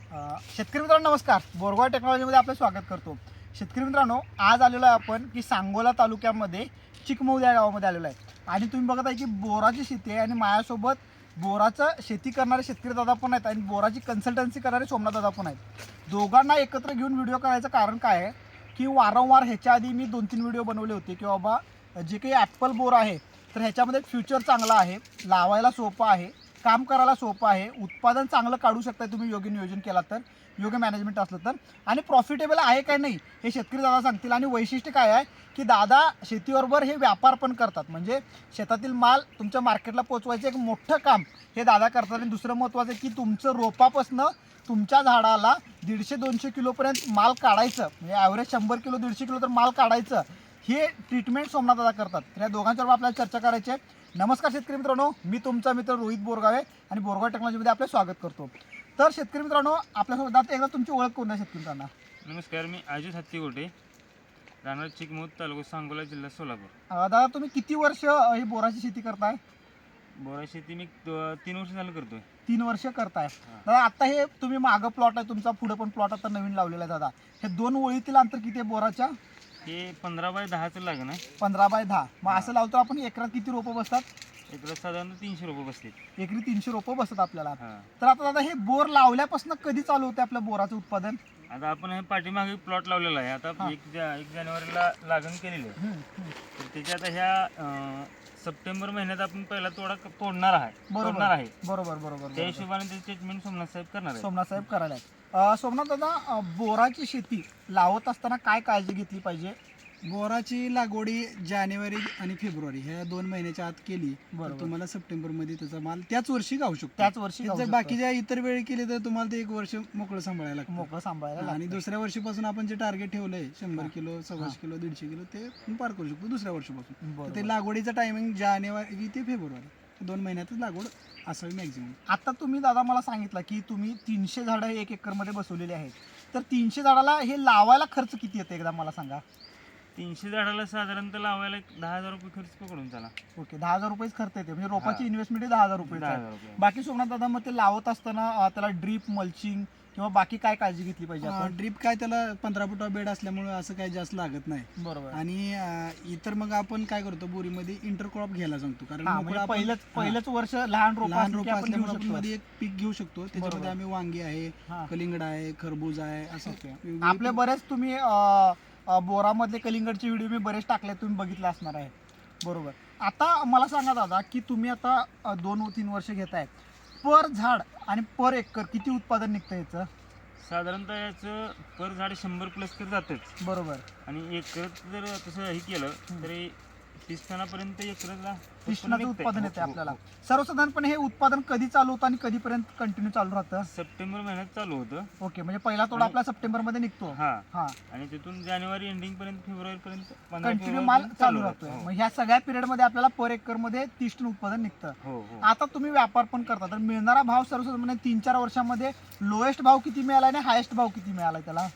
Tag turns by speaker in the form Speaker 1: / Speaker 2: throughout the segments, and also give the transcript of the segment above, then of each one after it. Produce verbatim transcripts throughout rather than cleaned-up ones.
Speaker 1: शेतकरी मित्रांनो नमस्कार. बोरगाव टेक्नॉलॉजीमध्ये आपलं स्वागत करतो. शेतकरी मित्रांनो, आज आलेलो आहे आपण की सांगोला तालुक्यामध्ये चिकमौली या गावामध्ये आलेलो आहे आणि तुम्ही बघत आहे की बोराची शेती आहे आणि माझ्यासोबत बोराचं शेती करणारे शेतकरी दादा पण आहेत आणि बोराची कन्सल्टन्सी करणारे सोमनाथ दादा पण आहेत. दोघांना एकत्र घेऊन व्हिडिओ करायचं कारण काय आहे की वारंवार ह्याच्या आधी मी दोन तीन व्हिडिओ बनवले होते की बाबा जे काही ॲपल बोर आहे तर ह्याच्यामध्ये फ्युचर चांगला आहे, लावायला सोपं आहे, काम करायला सोपं आहे, उत्पादन चांगलं काढू शकता तुम्ही योग्य नियोजन केला तर, योग्य मॅनेजमेंट असलं तर, आणि प्रॉफिटेबल आहे काय नाही हे शेतकरी दादा सांगतील. आणि वैशिष्ट्य काय आहे की दादा शेतीबरोबर हे व्यापार पण करतात, म्हणजे शेतातील माल तुमच्या मार्केटला पोचवायचं एक मोठं काम हे दादा करतात. आणि दुसरं महत्त्वाचं की तुमचं रोपापासनं तुमच्या झाडाला दीडशे दोनशे किलोपर्यंत माल काढायचं, म्हणजे ॲव्हरेज शंभर किलो दीडशे किलो तर माल काढायचं, हे ट्रीटमेंट सोमनाथ दादा करतात. तर या दोघांच्यावर आपल्याला चर्चा करायची आहे. नमस्कार शेतकरी मित्रांनो, मी तुमचा मित्र रोहित बोरगावे आणि बोरगाव टेक्नॉलॉजीमध्ये आपलं स्वागत करतो. तर शेतकरी मित्रांनो, आपल्यासोबत दादा एकदा तुमची ओळख करून द्या शेतकरी मित्रांना.
Speaker 2: नमस्कार, मी अजित हत्तीगोटे, राहणार चिकमौली, तालुका सांगोला, जिल्हा सोलापूर.
Speaker 1: अं, दादा तुम्ही किती वर्ष अं, ही बोराची शेती करताय?
Speaker 2: बोरा शेती मी त- तीन वर्ष झालं करतोय.
Speaker 1: तीन वर्ष करताय. दादा आता हे तुम्ही मागं प्लॉट आहे तुमचा, पुढे पण प्लॉट आता नवीन लावलेला आहे दादा, हे दोन ओळीतील अंतर किती आहे बोराच्या?
Speaker 2: हे पंधरा बाय दहाचं लागण आहे.
Speaker 1: पंधरा बाय दहा. मग असं लावतो आपण एकरात किती रोपं बसतात?
Speaker 2: एकदा साधारणतः तीनशे रुपये बसले.
Speaker 1: एकरी तीनशे रोपं बसतात आपल्याला.
Speaker 2: हां,
Speaker 1: तर आता दादा हे बोर लावल्यापासून कधी चालू होते आपल्या बोराचं उत्पादन?
Speaker 2: आता आपण हे पाठीमागे प्लॉट लावलेला आहे. आता
Speaker 1: हां.
Speaker 2: एक जा एक जानेवारीला लागण केलेली आहे.
Speaker 1: हम्म, हम्म.
Speaker 2: तर त्याच्या आता ह्या अं, सप्टेंबर महिन्यात आपण पहिला तोडा क- तोडणार आहे
Speaker 1: बरोबर.
Speaker 2: तोडणार आहे
Speaker 1: बरोबर बरोबर
Speaker 2: त्या
Speaker 1: बरोबर.
Speaker 2: हिशोबाने त्याची ट्रीटमेंट सोमनाथ साहेब करणार आहे.
Speaker 1: सोमनाथ साहेब करायला आहेत. अं, सोमनाथ दादा, अं, बोराची शेती लावत असताना काय काळजी घेतली पाहिजे?
Speaker 3: बोराची लागवडी जानेवारी आणि फेब्रुवारी ह्या दोन महिन्याच्या आत केली
Speaker 1: बरोबर.
Speaker 3: तर तुम्हाला सप्टेंबर मध्ये त्याचा माल त्याच वर्षी गाऊ शकतो.
Speaker 1: त्याच वर्षी
Speaker 3: जर
Speaker 1: गाऊ शकतो.
Speaker 3: बाकीच्या इतर वेळी केली तर तुम्हाला ते एक वर्ष मोकळं सांभाळायला लागतं.
Speaker 1: मोकळं सांभाळायला
Speaker 3: आणि
Speaker 1: लागतं.
Speaker 3: दुसऱ्या वर्षीपासून आपण जे टार्गेट ठेवलंय शंभर
Speaker 1: हां.
Speaker 3: किलो सव्वाशे किलो दीडशे किलो ते आपण पार करू शकतो दुसऱ्या वर्षीपासून. तर
Speaker 1: बरोबर.
Speaker 3: ते लागवडीचं टायमिंग जानेवारी ते फेब्रुवारी दोन महिन्यातच लागवड असावी मॅक्झिमम.
Speaker 1: आता तुम्ही दादा मला सांगितलं की तुम्ही तीनशे झाडं एक एकरमध्ये बसवलेली आहेत, तर तीनशे झाडाला हे लावायला खर्च किती येतो एकदा मला सांगा.
Speaker 2: तीनशे झाडाला साधारणतः लावायला एक दहा हजार रुपये खर्च पकडून चला.
Speaker 1: ओके, दहा हजार रुपयेच खर्च येते, म्हणजे रोपाची
Speaker 2: हां.
Speaker 1: इन्व्हेस्टमेंट दहा हजार रुपये
Speaker 2: दहा हजार रुपये.
Speaker 1: बाकी सोमनाथ दादा मग ते लावत असताना अं, त्याला ड्रीप मल्चिंग किंवा बाकी काय काळजी घेतली पाहिजे आपण?
Speaker 3: ड्रीप काय त्याला पंधरा फुटा बेड असल्यामुळे असं काही जास्त लागत नाही.
Speaker 1: बरोबर.
Speaker 3: आणि अं, इतर मग आपण काय करतो बोरीमध्ये इंटरक्रॉप घ्यायला सांगतो कारण
Speaker 1: हा,
Speaker 3: मोकळं
Speaker 1: म्हणजे
Speaker 3: आपण-
Speaker 1: पहिलंच
Speaker 3: हां.
Speaker 1: पहिलंच वर्ष लहान रोप
Speaker 3: लहान रोप
Speaker 1: आपण घेऊ
Speaker 3: असल्यामुळे आपण
Speaker 1: शकतो.
Speaker 3: मध्ये एक पीक घेऊ शकतो.
Speaker 1: बरोबर.
Speaker 3: त्याच्यामध्ये आम्ही वांगी आहे,
Speaker 1: हां.
Speaker 3: कलिंगड आहे, खरबूज आहे, असं
Speaker 1: ओके.
Speaker 3: वेगवेगळी
Speaker 1: आपले
Speaker 3: पीक-
Speaker 1: बरेच तुम्ही अं, अं, बोरामधले कलिंगडचे व्हिडिओ मी बरेच टाकले, तुम्ही बघितले असणार आहे. बरोबर. आता मला सांगा दादा की तुम्ही आता अं, दोन तीन वर्ष घेताय, पर झाड आणि पर एकर किती उत्पादन निघतं याचं?
Speaker 2: साधारणतः याचं पर झाड शंभर प्लस तर जातच.
Speaker 1: बरोबर.
Speaker 2: आणि एकरच जर तसं हे केलं तरी तीस टनापर्यंत एकरला
Speaker 1: तीस
Speaker 2: उत्पन्न
Speaker 1: टनाचं
Speaker 2: निघतंय.
Speaker 1: उत्पादन
Speaker 2: हो,
Speaker 1: येते
Speaker 2: हो,
Speaker 1: आपल्याला.
Speaker 2: हो.
Speaker 1: सर्वसाधारणपणे हे उत्पादन कधी चालू होतं आणि कधीपर्यंत कंटिन्यू चालू राहतं?
Speaker 2: सप्टेंबर महिन्यात चालू होतं.
Speaker 1: ओके, म्हणजे पहिला तोडा
Speaker 2: आणि-
Speaker 1: आपला सप्टेंबर मध्ये निघतो.
Speaker 2: हा
Speaker 1: हा,
Speaker 2: आणि तिथून जानेवारी एंडिंग पर्यंत फेब्रुवारी पर्यंत
Speaker 1: कंटिन्यू माल चालू राहतोय. मग ह्या सगळ्या पिरियड मध्ये आपल्याला पर एकर मध्ये तीस टन उत्पादन निघतं.
Speaker 2: हो हो
Speaker 1: आता तुम्ही व्यापार पण करता, तर मिळणारा भाव सर्वसाधारण तीन चार वर्षामध्ये लोएस्ट भाव किती मिळाला आणि हायेस्ट भाव किती मिळाला त्याला?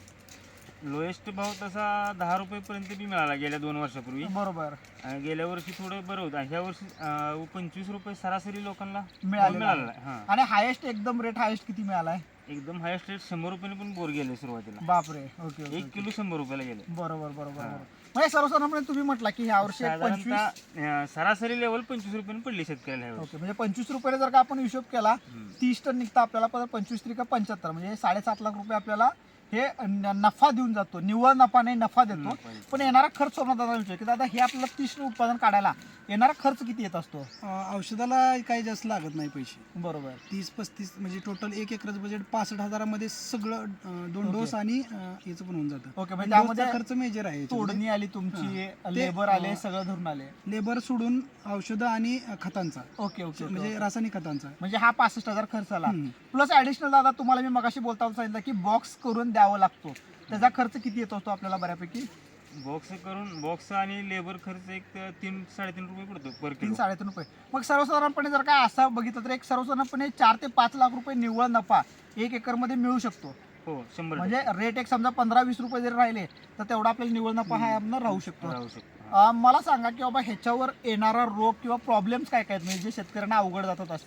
Speaker 2: लोएस्ट भाव तसा दहा रुपये पर्यंत बी मिळाला गेल्या दोन वर्षापूर्वी.
Speaker 1: बरोबर.
Speaker 2: आणि गेल्या वर्षी थोडं बरं होतं. ह्या वर्षी अं, पंचवीस रुपये सरासरी लोकांना
Speaker 1: मिळालेला
Speaker 2: मिळाला
Speaker 1: आहे.
Speaker 2: हा.
Speaker 1: आणि हायेस्ट एकदम रेट हायेस्ट किती मिळालाय?
Speaker 2: एकदम हायस्ट रेट शंभर रुपयाने पण बोर गेले सुरुवातीला.
Speaker 1: बापरे. ओके ओके,
Speaker 2: एक
Speaker 1: ओके.
Speaker 2: किलो शंभर रुपयाला गेले.
Speaker 1: बरोबर बरोबर
Speaker 2: हा.
Speaker 1: बरोबर. म्हणजे सर्वसाधारणपणे तुम्ही म्हटला की ह्या वर्षी एक पंचवीस.
Speaker 2: साधारणतः अं, सरासरी लेवल पंचवीस रुपयाने पडली शेतकऱ्याला ह्या वर्षी.
Speaker 1: ओके, म्हणजे पंचवीस रुपयाने जर का आपण हिशोब केला,
Speaker 2: हम्म.
Speaker 1: तीस टन निघतं आपल्याला, पण पंचवीस त्रिका पंच्याहत्तर, म्हणजे साडेसात लाख रुपये आपल्याला हे न- नफा देऊन जातो. निव्वळ नफा नाही, नफा देतो.
Speaker 2: नफा देतो.
Speaker 1: पण येणारा खर्च सोमनाथ दादा विचार की दादा हे आपल्याला तीस टन उत्पादन काढायला येणारा खर्च किती येत असतो?
Speaker 3: अं, औषधाला काही जास्त लागत नाही पैसे.
Speaker 1: बरोबर.
Speaker 3: तीस पस्तीस म्हणजे टोटल एक एकरच बजेट पासष्ट हजारामध्ये सगळं अं, दोन
Speaker 1: ओके.
Speaker 3: डोस आणि अं, याचं पण होऊन जातं.
Speaker 1: ओके, म्हणजे
Speaker 3: डोसचा
Speaker 1: त्यामध्ये
Speaker 3: खर्च मेजर आहे याच्यामध्ये.
Speaker 1: तोडणी आली तुमची,
Speaker 3: हां.
Speaker 1: लेबर
Speaker 3: ते,
Speaker 1: आले,
Speaker 3: अं,
Speaker 1: सगळं धरून आले.
Speaker 3: लेबर सोडून औषधं आणि अं, खतांचा
Speaker 1: ओके ओके,
Speaker 3: म्हणजे
Speaker 1: ओके.
Speaker 3: रासायनिक खतांचा.
Speaker 1: म्हणजे हा पासष्ट हजार खर्च आला.
Speaker 3: हम्म.
Speaker 1: प्लस ऍडिशनल दादा तुम्हाला मी मगाशी बोलताना सांगितलं की बॉक्स करून द्यावा लागतो, त्याचा खर्च किती येत असतो आपल्याला बऱ्यापैकी?
Speaker 2: बॉक्स करून बॉक्स आणि लेबर खर्च एक त- तीन साडेतीन रुपये पडतो पर
Speaker 1: तीन
Speaker 2: किलो.
Speaker 1: साडेतीन रुपये. मग सर्वसाधारणपणे जर का असं बघितलं तर एक सर्वसाधारणपणे चार ते पाच लाख रुपये निव्वळ नफा एक एकरमध्ये मिळू शकतो.
Speaker 2: हो शंभर
Speaker 1: म्हणजे रेट एक समजा पंधरा वीस रुपये जरी राहिले तर तेवढा आपल्याला निव्वळ नफा हा आपला राहू
Speaker 2: टक्के
Speaker 1: शकतो.
Speaker 2: राहू शकतो. हा.
Speaker 1: अं, मला सांगा की बाबा ह्याच्यावर येणारा रोग किंवा प्रॉब्लेम्स काय काय आहेत, म्हणजे जे शेतकऱ्यांना अवघड जातात असं?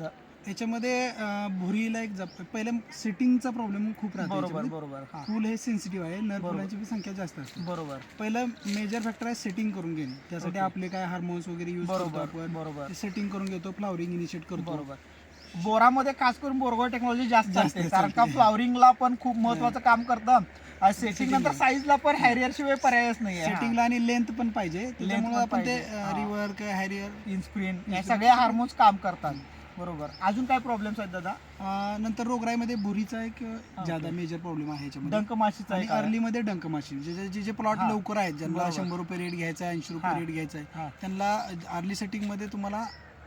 Speaker 3: याच्यामध्ये अं, भुरीला एक जप पहिल्या सेटिंगचा प्रॉब्लेम खूप राहतो
Speaker 1: बरोबर
Speaker 3: याच्यामध्ये.
Speaker 1: बरोबर हा
Speaker 3: फुल हे सेन्सिटिव्ह आहे, नर
Speaker 1: बरोबर.
Speaker 3: फुलांची पण संख्या जास्त असते.
Speaker 1: बरोबर
Speaker 3: पहिलं मेजर फॅक्टर आहे सेटिंग करून घेणे. त्यासाठी
Speaker 1: ओके.
Speaker 3: आपले काय हार्मोन्स वगैरे यूज करतो
Speaker 1: बरोबर
Speaker 3: आपण,
Speaker 1: बरोबर
Speaker 3: ते सेटिंग करून घेतो, फ्लावरिंग इनिशिएट करतो.
Speaker 1: बरोबर बोरामध्ये खास करून बोरगॉड टेक्नॉलॉजी जास्त
Speaker 3: जास्त
Speaker 1: असते कारण का
Speaker 3: चालते.
Speaker 1: फ्लॉवरिंगला पण खूप महत्वाचं काम करतं आणि सेटिंग नंतर
Speaker 3: Setting.
Speaker 1: साईजला पण हॅरियर शिवाय पर्यायच नाही आहे
Speaker 3: सेटिंगला आणि लेंथ पण पाहिजे, त्याच्यामुळे पण
Speaker 1: पण
Speaker 3: आपण ते
Speaker 1: पाहिजे. हा.
Speaker 3: Rework Harrier.
Speaker 1: इन्स्प्रिन या
Speaker 3: Insprin.
Speaker 1: सगळे हार्मोन्स काम करतात बरोबर. अजून काय प्रॉब्लेम्स आहेत दादा?
Speaker 3: नंतर रोगराईमध्ये भुरीचा एक
Speaker 1: हा,
Speaker 3: ज्यादा
Speaker 1: ओके.
Speaker 3: मेजर प्रॉब्लेम आहे याच्यामध्ये.
Speaker 1: डंक माशीचा
Speaker 3: आणि
Speaker 1: एक आहे.
Speaker 3: अर्ली मध्ये डंक माशी, जे जे- जे जे प्लॉट
Speaker 1: हा.
Speaker 3: लवकर आहेत, ज्यांना
Speaker 1: बरोबर.
Speaker 3: शंभर रुपये रेट घ्यायचा आहे, ऐंशी
Speaker 1: हा.
Speaker 3: रुपये रेट घ्यायचा आहे,
Speaker 1: हा.
Speaker 3: त्यांना अर्ली सेटिंग मध्ये तुम्हाला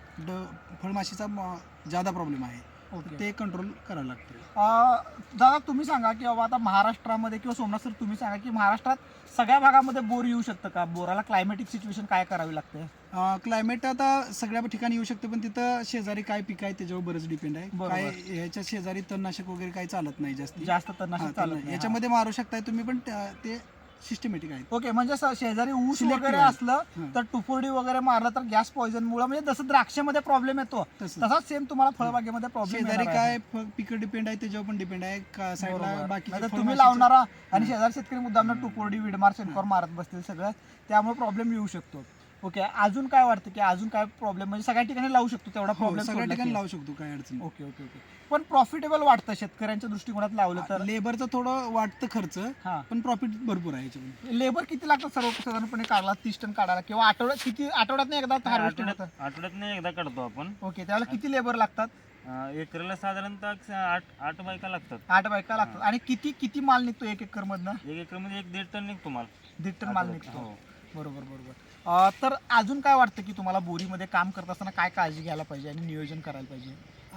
Speaker 3: ड फळमाशीचा म- ज्यादा प्रॉब्लेम आहे,
Speaker 1: ओके.
Speaker 3: ते कंट्रोल करावं लागतं.
Speaker 1: अं, दादा तुम्ही सांगा की बाबा आता महाराष्ट्रामध्ये किंवा सोमनाथ सर तुम्ही सांगा की महाराष्ट्रात सगळ्या भागामध्ये बोर येऊ शकतं का? बोराला क्लायमॅटिक सिच्युएशन काय करावी लागते?
Speaker 3: क्लायमेट आता सगळ्या ठिकाणी येऊ शकते, पण तिथं शेजारी काय पीक आहे त्याच्यावर बरंच डिपेंड आहे.
Speaker 1: बरोबर.
Speaker 3: काय ह्याच्या शेजारी तणनाशक वगैरे काही चालत नाही जास्त.
Speaker 1: जास्त
Speaker 3: हा,
Speaker 1: तणनाशक
Speaker 3: तण-
Speaker 1: चालत नाही.
Speaker 3: याच्यामध्ये मारू शकताय तुम्ही, पण त्या- ते सिस्टमॅटिक आहे.
Speaker 1: ओके म्हणजे स- शेजारी ऊस
Speaker 3: Selective
Speaker 1: वगैरे
Speaker 3: आहे.
Speaker 1: असलं
Speaker 3: हा.
Speaker 1: तर टुफोडी वगैरे मारलं तर गॅस पॉइझन मुळे म्हणजे जसं द्राक्षामध्ये प्रॉब्लेम येतो
Speaker 3: तसं
Speaker 1: तसाच सेम तुम्हाला फळबागेमध्ये प्रॉब्लेम
Speaker 3: शेजारी काय पिक डिपेंड आहे त्याच्यावर पण डिपेंड आहे. का साईडला बाकी
Speaker 1: तुम्ही लावणारा आणि शेजारी शेतकरी मुद्दाम टुपोर्डी विडमार शेणखोर मारत बसतील सगळं त्यामुळे प्रॉब्लेम येऊ शकतो. ओके अजून काय वाटतं की अजून काय प्रॉब्लेम म्हणजे सगळ्या ठिकाणी लावू शकतो तेवढा
Speaker 3: सगळ्या ठिकाणी
Speaker 1: प्रॉब्लेम?
Speaker 3: लावू शकतो, काय अडचण नाही.
Speaker 1: ओके ओके ओके पण प्रॉफिटेबल वाटतं शेतकऱ्यांच्या दृष्टिकोनात लावलं तर?
Speaker 3: लेबरचं थोडं वाटतं खर्च,
Speaker 1: हा
Speaker 3: पण प्रॉफिट भरपूर आहे याच्यामध्ये.
Speaker 1: लेबर किती लागतं सर्वसाधारणपणे काढला तीस टन काढायला किंवा आठवड्यात किती आठवड्यात एकदा हार्वेस्टिंग होतं?
Speaker 2: आठवड्यात आठवड्यात नाही एकदा काढतो आपण.
Speaker 1: ओके त्यावेळेला किती लेबर लागतात?
Speaker 2: अं, एकरला साधारणतः आठ आठ बायका लागतात.
Speaker 1: आठ बायका लागतात आणि किती किती माल निघतो एक एकर मधनं?
Speaker 2: एक एकरमध्ये एक दीड टन निघतो माल.
Speaker 1: दीड टन माल निघतो.
Speaker 2: हो.
Speaker 1: बरोबर बरोबर. अं, तर अजून काय वाटतं की तुम्हाला बोरीमध्ये काम करत असताना काय काळजी घ्यायला पाहिजे आणि नियोजन करायला पाहिजे?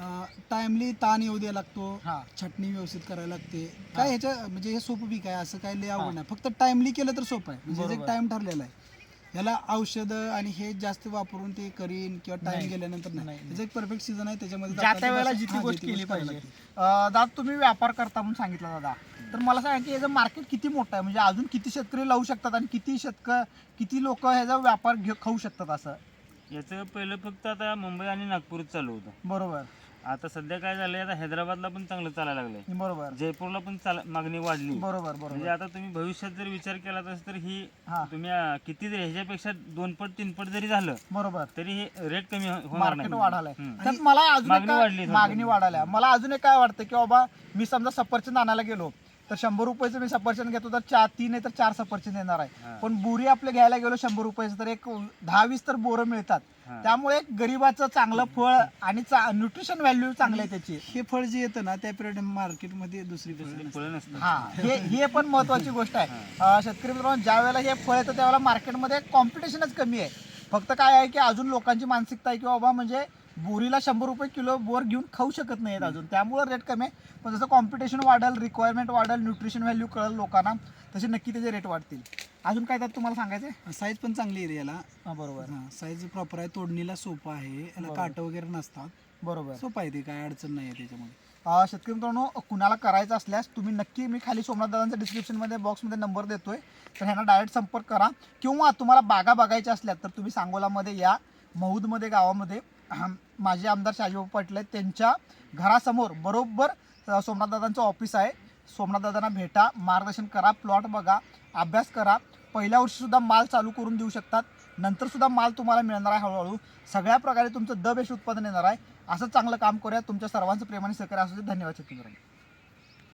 Speaker 3: टाइमली ताण येऊ द्यायला लागतो,
Speaker 1: हा
Speaker 3: छटणी व्यवस्थित करायला लागते.
Speaker 1: हा.
Speaker 3: काय ह्याच्या म्हणजे हे सोपं पीक आहे, असं काय लय
Speaker 1: हा.
Speaker 3: अवघड नाही. फक्त टाइमली केलं तर सोपं आहे, म्हणजे
Speaker 1: बरोबर.
Speaker 3: एक टाइम ठरलेला आहे. याला औषधं आणि हे जास्त वापरून ते करीन किंवा
Speaker 1: नाही.
Speaker 3: टाइम गेल्यानंतर नाही.
Speaker 1: नाही.
Speaker 3: त्याचं एक परफेक्ट सीझन आहे, त्याच्यामध्ये
Speaker 1: ज्या त्या
Speaker 3: आपल्याला
Speaker 1: वेळेला
Speaker 3: बस-
Speaker 1: जी ती
Speaker 3: हा,
Speaker 1: गोष्ट
Speaker 3: जी ती
Speaker 1: केली
Speaker 3: करायला
Speaker 1: पाहिजे.
Speaker 3: लागते.
Speaker 1: अं, दादा तुम्ही व्यापार करता म्हणून सांगितलं दादा, तर मला सांगा की याचं मार्केट किती मोठं आहे म्हणजे अजून किती शेतकरी लावू शकतात आणि किती शेतकरी किती लोक ह्याचा व्यापार घेऊ खाऊ शकतात असं?
Speaker 2: याचं पहिलं फक्त आता मुंबई आणि नागपूरच चालू होतं.
Speaker 1: बरोबर
Speaker 2: आता सध्या काय झालंय, आता हैदराबादला पण चांगलं चालायला लागलंय.
Speaker 1: बरोबर
Speaker 2: जयपूरला पण चाल मागणी वाढली.
Speaker 1: बरोबर
Speaker 2: म्हणजे
Speaker 1: बरोबर
Speaker 2: आता तुम्ही भविष्यात जर विचार केला तस तर ही
Speaker 1: हा
Speaker 2: तुम्ही अं, किती जरी ह्याच्यापेक्षा दोन पट तीन पट जरी झालं
Speaker 1: बरोबर
Speaker 2: तरी हे रेट कमी हो- होणार
Speaker 1: मार्केट
Speaker 2: नाही.
Speaker 1: वाढालंय.
Speaker 2: हम्म.
Speaker 1: तर मला अजून एक
Speaker 2: मागणी
Speaker 1: काय-
Speaker 2: वाढली थोडी.
Speaker 1: मागणी वाढाल्या. मला अजून एक काय वाटतं की बाबा मी समजा सफरचंद आणायला गेलो तर शंभर रुपयाचं मी सफरचंद घेतो तर चार तीन आहे तर चार सफरचंद येणार आहे.
Speaker 2: हा.
Speaker 1: पण बोरी आपले घ्यायला गेलो शंभर रुपयाचं तर एक दहा वीस तर बोरं मिळतात.
Speaker 2: हा.
Speaker 1: त्यामुळे एक गरीबाचं चांगलं फळ आणि न्यूट्रिशन व्हॅल्यू चांगलं आहे त्याची.
Speaker 3: हे फळ जे येतं ना त्या पिरियड मार्केटमध्ये दुसरी फळं
Speaker 2: दुसरी
Speaker 3: नसतात.
Speaker 2: फळं नसतात.
Speaker 1: हा हे हे पण महत्वाची गोष्ट आहे. अं, शेतकरी मित्रांनो ज्या वेळेला हे फळ येतं त्यावेळेला मार्केटमध्ये कॉम्पिटिशनच कमी आहे. फक्त काय आहे की अजून लोकांची मानसिकता आहे की बाबा म्हणजे बोरीला शंभर रुपये किलो बोर घेऊन खाऊ शकत नाहीत अजून, त्यामुळे रेट कमी आहे. पण जसं कॉम्पिटिशन वाढेल, रिक्वायरमेंट वाढेल, न्यूट्रिशन व्हॅल्यू कळेल लोकांना, तसे नक्की त्याचे रेट वाढतील. अजून काय त्यात तुम्हाला सांगायचं आहे?
Speaker 3: साईज पण चांगली आहे याला.
Speaker 1: हां बरोबर
Speaker 3: हा, साईज प्रॉपर आहे, तोडणीला सोपं आहे, याला
Speaker 1: बरोबर.
Speaker 3: काट वगैरे नसतात,
Speaker 1: बरोबर.
Speaker 3: सोपं आहे, ते काय अडचण नाही आहे त्याच्यामध्ये.
Speaker 1: अं, शेतकरी मित्रांनो कुणाला करायचं असल्यास तुम्ही नक्की मी खाली सोमनाथ दादांच्या डिस्क्रिप्शनमध्ये बॉक्समध्ये नंबर देतोय तर ह्यांना डायरेक्ट संपर्क करा. किंवा तुम्हाला बागा बघायच्या असल्या तर तुम्ही सांगोलामध्ये या, महूदमध्ये गावामध्ये अहं, माझे आमदार शाजीबाबू पाटील आहेत त्यांच्या घरासमोर बरोबर अं, सोमनाथ दादांचं ऑफिस आहे. सोमनाथ दादांना भेटा, मार्गदर्शन करा, प्लॉट बघा, अभ्यास करा. पहिल्या वर्षीसुद्धा माल चालू करून देऊ शकतात, नंतरसुद्धा माल तुम्हाला मिळणार आहे हळूहळू. सगळ्या प्रकारे तुमचं द बेस्ट उत्पादन येणार आहे. असं चांगलं काम करूया. तुमच्या सर्वांचं प्रेमाने सहकार्य असू दे. धन्यवाद शेतकरी मित्रांनो.